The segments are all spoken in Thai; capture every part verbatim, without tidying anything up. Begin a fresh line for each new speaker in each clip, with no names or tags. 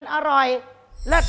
อร่อยเลิศ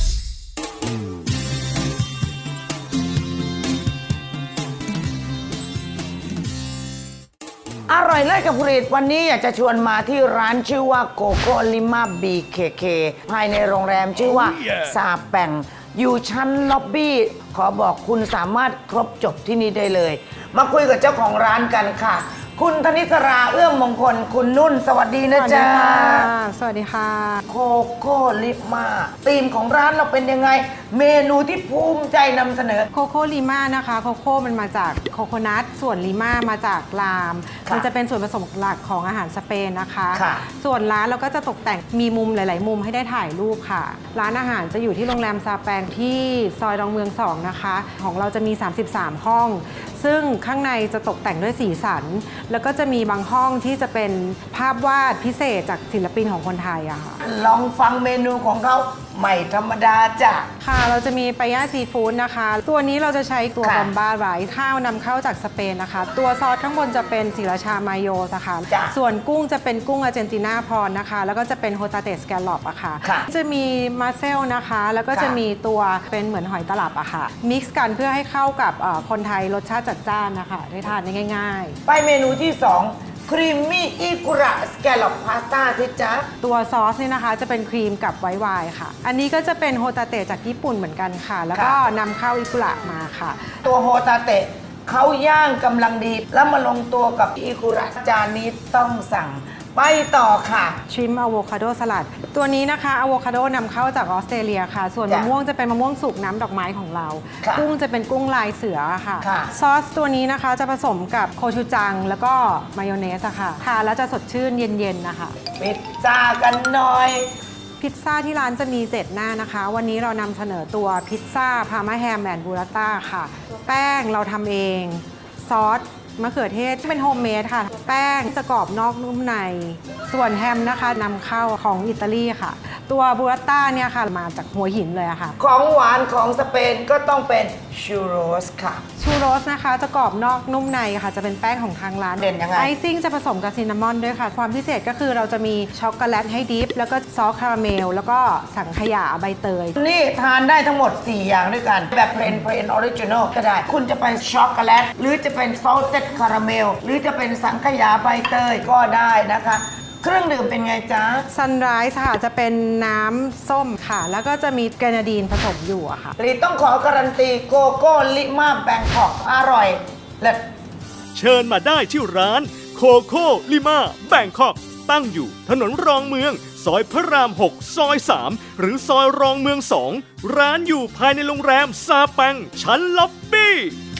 อร่อยเลิศกับผลิตวันนี้อยากจะชวนมาที่ร้านชื่อว่าโกโก้ลิมาบีเคเคภายในโรงแรมชื่อว่า oh, yeah. ซาแปงอยู่ชั้นล็อบบี้ขอบอกคุณสามารถครบจบที่นี่ได้เลย มาคุยกับเจ้าของร้านกันค่ะคุณธนิสราเอื้อมมงคลคุณนุ่นสวัสดีนะจ๊ะ
สวัสดีค่ะ
โคโค่ลิมาธีมของร้านเราเป็นยังไงเมนูที่ภูมิใจนำเสนอ
โคโค่ลิมานะคะโคโค่มันมาจากโคโคนัทส่วนลิมามาจากลามมันจะเป็นส่วนผสมหลักของอาหารสเปนนะคะส่วนร้านเราก็จะตกแต่งมีมุมหลายๆมุมให้ได้ถ่ายรูปค่ะร้านอาหารจะอยู่ที่โรงแรมซาแปงที่ซอยดอนเมืองสองนะคะของเราจะมีสามสิบสามห้องซึ่งข้างในจะตกแต่งด้วยสีสันแล้วก็จะมีบางห้องที่จะเป็นภาพวาดพิเศษจากศิลปินของคนไทยอะค่ะ
ลองฟังเมนูของเขาใหม่ธรรมดาจ้ะ
ค่ะเราจะมีปลาย่าซีฟู้ดนะคะตัวนี้เราจะใช้ตัวบอมบ้าไรซ์ข้าวนำเข้าจากสเปนนะคะตัวซอสข้างบนจะเป็นศิราชามาโยสค่ะส่วนกุ้งจะเป็นกุ้งอาร์เจนตินาพรนะคะแล้วก็จะเป็นโฮตาเตสแกลลอปอะค่ะจะมีมาเซลนะคะแล้วก็จะมีตัวเป็นเหมือนหอยตลับอะค่ะมิกซ์กันเพื่อให้เข้ากับคนไทยรสชาติจัดจ้านนะคะได้ทานได้ง่าย
ๆไปเมนูที่สองครีมมี่อิกุระสแกลลอปพาสต้าสิจ๊ะ
ตัวซอสนี่นะคะจะเป็นครีมกับไวท์ไวน์ค่ะอันนี้ก็จะเป็นโฮตาเตะจากญี่ปุ่นเหมือนกันค่ะแล้วก็นำเข้าอิกุระมาค่ะ
ตัวโฮตาเตะเขาย่างกำลังดีแล้วมาลงตัวกับอิกุระจานนี้ต้องสั่งไปต่อค่ะ
ชิมอะโวคาโดสลัดตัวนี้นะคะอะโวคาโดนำเข้าจากออสเตรเลียค่ะส่วนมะม่วงจะเป็นมะม่วงสุกน้ำดอกไม้ของเรากุ้งจะเป็นกุ้งลายเสือค่ะซอสตัวนี้นะคะจะผสมกับโคชูจังแล้วก็มายองเนสค่ะทานแล้วจะสดชื่นเย็นๆนะคะ
พิซซ่ากันหน่อย
พิซซ่าที่ร้านจะมีเจ็ดหน้านะคะวันนี้เรานำเสนอตัวพิซซ่าพาร์มาแฮมแอนด์บูราต้าค่ะแป้งเราทำเองซอสมะเขือเทศเป็นโฮมเมดค่ะแป้งจะกรอบนอกนุ่มในส่วนแฮมนะคะนำเข้าของอิตาลีค่ะตัวบูราต้าเนี่ยค่ะมาจากหัวหินเลยค่ะ
ของหวานของสเปนก็ต้องเป็นชูโรสค่ะ
ชูโรสนะคะจะกรอบนอกนุ่มในค่ะจะเป็นแป้งของทางร้าน
เด่นยังไง
ไอซิ่งจะผสมกับซินนามอนด้วยค่ะความพิเศษก็คือเราจะมีช็อกโกแลตให้ดิฟแล้วก็ซอสคาราเมลแล้วก็สังขยาใบเตย
นี่ทานได้ทั้งหมดสี่อย่างด้วยกันแบบเพลนเพลนออริจินอลก็ได้คุณจะเป็นช็อกโกแลตหรือจะเป็นซอสเต็ดคาราเมลหรือจะเป็นสังขยาใบเตยก็ได้นะคะเครื่องดื่มเป็นไงจ๊ะ
ซันไรส์ค่ะจะเป็นน้ำส้มค่ะแล้วก็จะมีแกรนาดีนผสมอยู่อะค่ะ
รีต้องขอการันตีโกโก้ลิมาแบงคอกอร่อยเลิศ
เชิญมาได้ที่ร้านโคโค่ลิมาแบงคอกตั้งอยู่ถนนรองเมืองซอยพระรามหกซอยสามหรือซอยรองเมืองสองร้านอยู่ภายในโรงแรมซาแปงชั้นล็อบบี้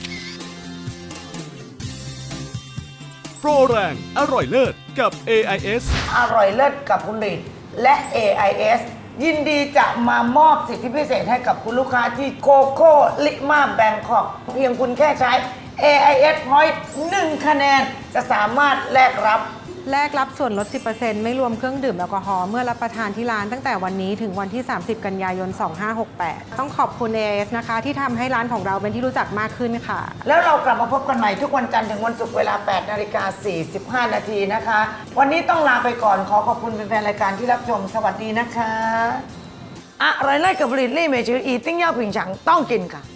โปรแรงอร่อยเลิศกับ เอ ไอ เอส
อร่อยเลิศกับคุณฤทธิ์และ เอ ไอ เอส ยินดีจะมามอบสิทธิพิเศษให้กับคุณลูกค้าที่โคโค่ลิมาแบงคอกเพียงคุณแค่ใช้ เอ ไอ เอส Point หนึ่งคะแนนจะสามารถแลกรับ
แลกรับส่วนลด สิบเปอร์เซ็นต์ ไม่รวมเครื่องดื่มแอลกอฮอล์เมื่อรับประทานที่ร้านตั้งแต่วันนี้ถึงวันที่ สามสิบ กันยายน สองห้าหกแปด ต้องขอบคุณ เอ ไอ เอส นะคะที่ทำให้ร้านของเราเป็นที่รู้จักมากขึ้นค่ะ
แล้วเรากลับมาพบกันใหม่ทุกวันจันทร์ถึงวันศุกร์เวลา แปดนาฬิกาสี่สิบห้า นาทีนะคะ วันนี้ต้องลาไปก่อนขอขอบคุณแฟนๆรายการที่รับชมสวัสดีนะคะอร่อยเลิศกับผลิตลี่เมจืออีติ้งเย่าผิงฉังต้องกินค่ะ